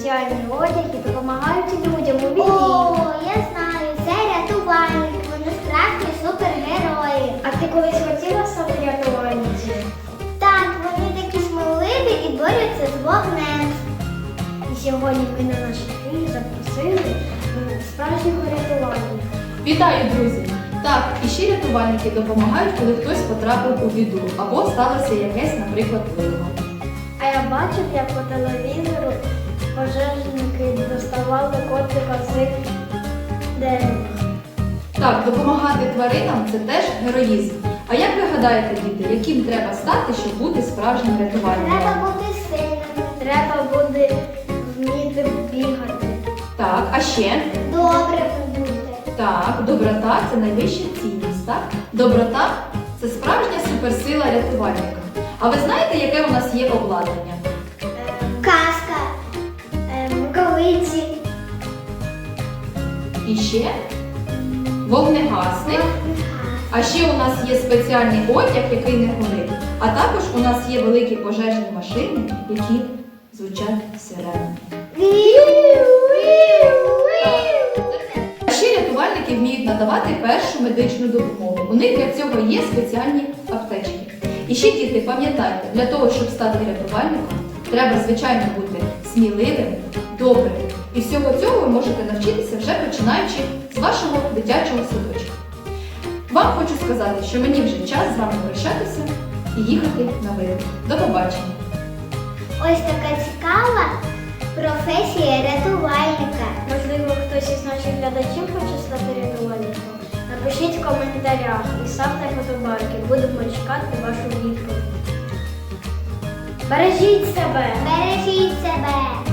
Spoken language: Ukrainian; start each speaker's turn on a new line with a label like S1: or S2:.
S1: спеціальний одяг і допомагають людям у війні.
S2: О, я знаю, це рятувальники, вони справжні супергерої.
S1: А ти колись хотіла стати рятувальницею?
S2: Так, вони такі сміливі і борються з вогнем.
S1: І сьогодні ми на наш ефір запросили справжнього рятувальника.
S3: Вітаю, друзі! Так, і ще рятувальники допомагають, коли хтось потрапив у біду або сталося якесь, наприклад, лихо.
S1: А я бачив, як по телевізору пожежники доставали котика з дерева.
S3: Так, допомагати тваринам – це теж героїзм. А як ви гадаєте, діти, яким треба стати, щоб бути справжнім рятувальником?
S2: Треба бути сильними,
S1: Треба буде вміти бігати.
S3: Так, а ще?
S2: добре бути.
S3: Так, доброта – це найвища цінність, так? Доброта – це справжня суперсила рятувальника. А ви знаєте, яке у нас є обладнання?
S2: Казка.
S1: Рукавиці.
S3: І ще вогнегасник. А ще у нас є спеціальний одяг, який не горить. А також у нас є великі пожежні машини, які звучать сиренами. А ще рятувальники вміють надавати першу медичну допомогу. У них для цього є спеціальні аптечки. І ще, діти, пам'ятайте, для того, щоб стати рятувальником, треба, звичайно, бути сміливим, добрим. І всього цього ви можете навчитися вже починаючи з вашого дитячого садочка. Вам хочу сказати, що мені вже час з вами прощатися і їхати на вихід. До побачення!
S2: Ось така цікава професія рятувальника.
S1: Можливо, хтось із наших глядачів хоче стати рятувальником. Напишіть в коментарях і ставте фотобайки. Будемо чекати вашу відповідь. Бережіть себе!
S2: Бережіть себе!